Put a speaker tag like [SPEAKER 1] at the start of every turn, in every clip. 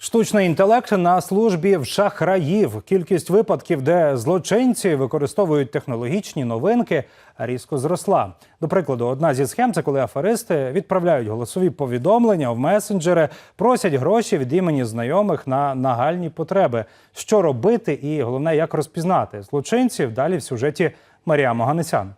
[SPEAKER 1] Штучний інтелект на службі в шахраїв. Кількість випадків, де злочинці використовують технологічні новинки, різко зросла. До прикладу, одна зі схем – це коли аферисти відправляють голосові повідомлення в месенджери, просять гроші від імені знайомих на нагальні потреби. Що робити і, головне, як розпізнати злочинців? Далі в сюжеті Марія Ганесян.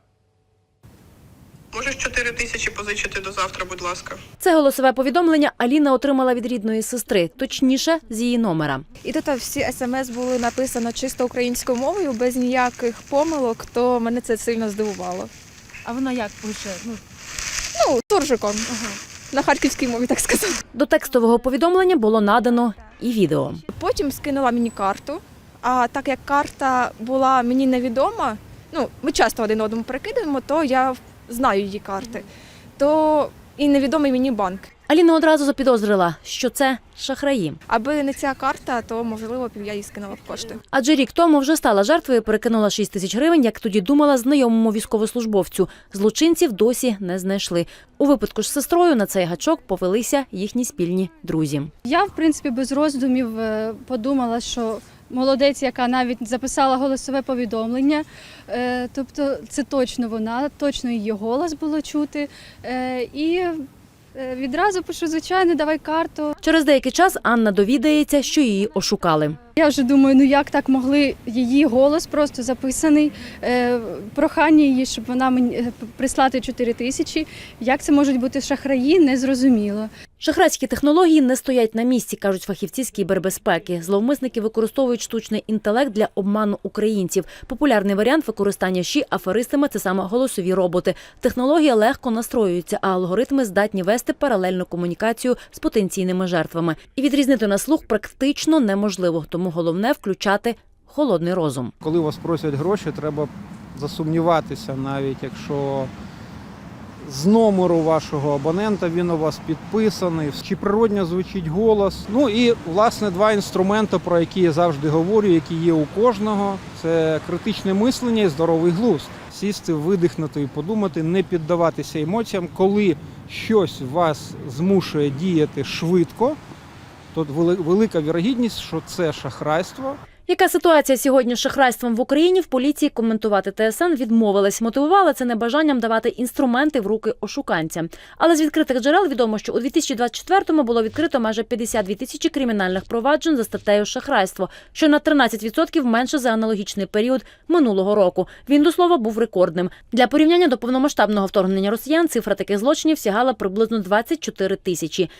[SPEAKER 2] Можеш 4 тисячі позичити до завтра, будь ласка.
[SPEAKER 3] Це голосове повідомлення Аліна отримала від рідної сестри, точніше, з її номера.
[SPEAKER 4] І тут всі смс були написано чисто українською мовою, без ніяких помилок, то мене це сильно здивувало.
[SPEAKER 5] А вона як пише?
[SPEAKER 4] Суржиком. На харківській мові, так сказати.
[SPEAKER 3] До текстового повідомлення було надано і відео.
[SPEAKER 4] Потім скинула мені карту, а так як карта була мені невідома, ми часто один одному перекидаємо, то я знаю її карти, то і невідомий мені банк.
[SPEAKER 3] Аліна одразу запідозрила, що це шахраї.
[SPEAKER 4] Аби не ця карта, то, можливо, я їй скинула б кошти.
[SPEAKER 3] Адже рік тому вже стала жертвою, перекинула 6 тисяч гривень, як тоді думала, знайомому військовослужбовцю. Злочинців досі не знайшли. У випадку ж з сестрою на цей гачок повелися їхні спільні друзі.
[SPEAKER 5] Я, в принципі, без роздумів подумала, що молодець, яка навіть записала голосове повідомлення. Тобто це точно вона, точно її голос було чути. І відразу пишу, звичайно, давай карту.
[SPEAKER 3] Через деякий час Анна довідається, що її ошукали.
[SPEAKER 5] Я вже думаю, як так могли, її голос просто записаний, прохання її, щоб вона мені прислати 4 тисячі. Як це можуть бути шахраї, незрозуміло.
[SPEAKER 3] Шахрайські технології не стоять на місці, кажуть фахівці з кібербезпеки. Зловмисники використовують штучний інтелект для обману українців. Популярний варіант використання ЩІ аферистами – це саме голосові роботи. Технологія легко настроюється, а алгоритми здатні вести паралельну комунікацію з потенційними жертвами. І відрізнити на слух практично неможливо, тому головне – включати холодний розум.
[SPEAKER 6] Коли вас просять гроші, треба засумніватися, навіть якщо з номеру вашого абонента він у вас підписаний, чи природньо звучить голос. І, власне, 2 інструменти, про які я завжди говорю, які є у кожного. Це критичне мислення і здоровий глузд. Сісти, видихнути і подумати, не піддаватися емоціям. Коли щось вас змушує діяти швидко, то велика вірогідність, що це шахрайство.
[SPEAKER 3] Яка ситуація сьогодні з шахрайством в Україні, в поліції коментувати ТСН відмовилась. Мотивувала це небажанням давати інструменти в руки ошуканцям. Але з відкритих джерел відомо, що у 2024-му було відкрито майже 52 тисячі кримінальних проваджень за статтею шахрайство, що на 13% менше за аналогічний період минулого року. Він, до слова, був рекордним. Для порівняння, до повномасштабного вторгнення росіян цифра таких злочинів сягала приблизно 24 тисячі.